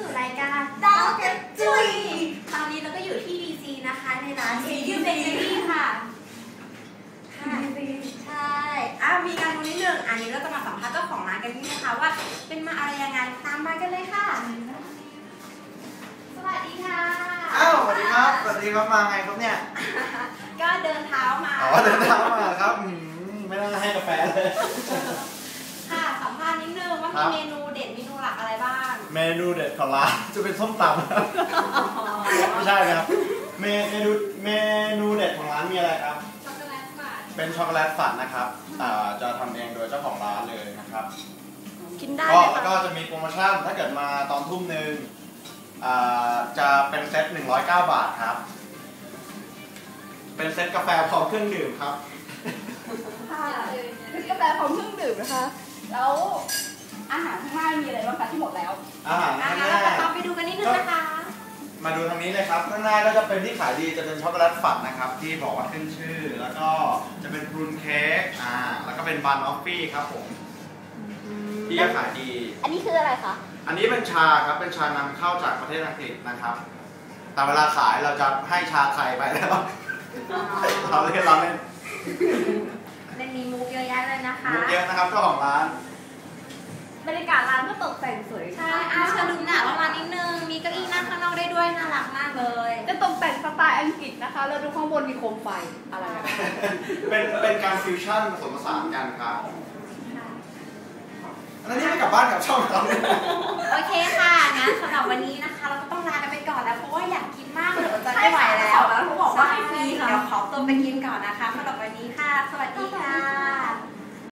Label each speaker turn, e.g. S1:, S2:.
S1: สู่รายการดาวกระจุยตอนนี้เราก็อยู่ที่ DC นะคะในร้าน CU Bakery ค่ะใช่มีการดูนิดนึงอันนี้เราจะมาสัมภาษณ์เจ้าของร้านกันนี่นะคะว่าเป็นมาอะไรยังไงตามมากันเลยค่ะสวัสดีค่ะ
S2: สวัสดีครับมาไงครับเนี่ย
S1: ก็เดินเท้ามา
S2: เดินเท้ามาครับไม่ต้องให้กาแฟเลย
S1: ค่ะสัมภาษณ์นิดนึงว่ามีเมนูเด็ดเมนูหลักอะไรบ้าง
S2: เมนูเด็ดของร้านจะเป็นส้มตำไม่ใช่ครับเมนูเด็ดของร้านมีอะไรครับ
S1: ช็อกโกแลตฝัน
S2: เป็นช็อกโกแลตฝันนะครับจะทำเองโดยเจ้าของร้านเลยนะครับ
S1: กินได้
S2: ก็จะมีโปรโมชั่นถ้าเกิดมาตอนทุ่มนึงจะเป็นเซต109 บาทครับเป็นเซตกาแฟพร้อมเครื่องดื่มครับ
S3: เป็นกาแฟพร้อมเครื่องดื่มนะคะแล้วอาหารข้างหน้ามีอะไรบ้างคะที่หมดแล้ว
S2: อาหารข้างหน้า
S1: เราต้องไปดูกันนิดนึงนะคะ
S2: มาดูทางนี้เลยครับข้างหน้าก็จะเป็นที่ขายดีจะเป็นช็อกโกแลตฝันนะครับที่บอกว่าขึ้นชื่อแล้วก็จะเป็นพรูนเค้กแล้วก็เป็นบันออฟฟี่ครับผมที่ขายดี
S3: อันนี้คืออะไรคะ
S2: อันนี้เป็นชาครับเป็นชานำเข้าจากประเทศอังกฤษนะครับแต่เวลาขายเราจะให้ชาไทยไปแล้วเราเล่น
S1: มีมุกเยอะแยะเลยนะคะ
S2: มุกเยอะนะครับเจ้าของร้าน
S3: บรรยากาศร้านก็ตกแต่งสวย
S1: ใช่เชิญดูหน่ะประมาณนิดนึงมีเก้าอี้นั่งข้างนอกได้ด้วยน่ารักมากเลย
S3: จะตกแต่งสไตล์อังกฤษนะคะแล้วดูข้างบนมีโคมไฟอะไร
S2: เป็นการฟิวชั่นผสมผสานกันครับแล้วนี่ให้กลับบ้านกับช่องเรา
S1: โอเคค่ะงั้นสำหรับวันนี้นะคะเราก็ต้องลากันไปก่อนแล้วเพราะว่าอยากกินมากเลยจะไม่ไหวแล้ว
S3: เขาบอกว่าให้ฟรีค่ะ
S1: เดี๋ยวขอตัวไปกินก่อนนะคะสำหรับวันนี้ค่ะสวัสดีค่ะ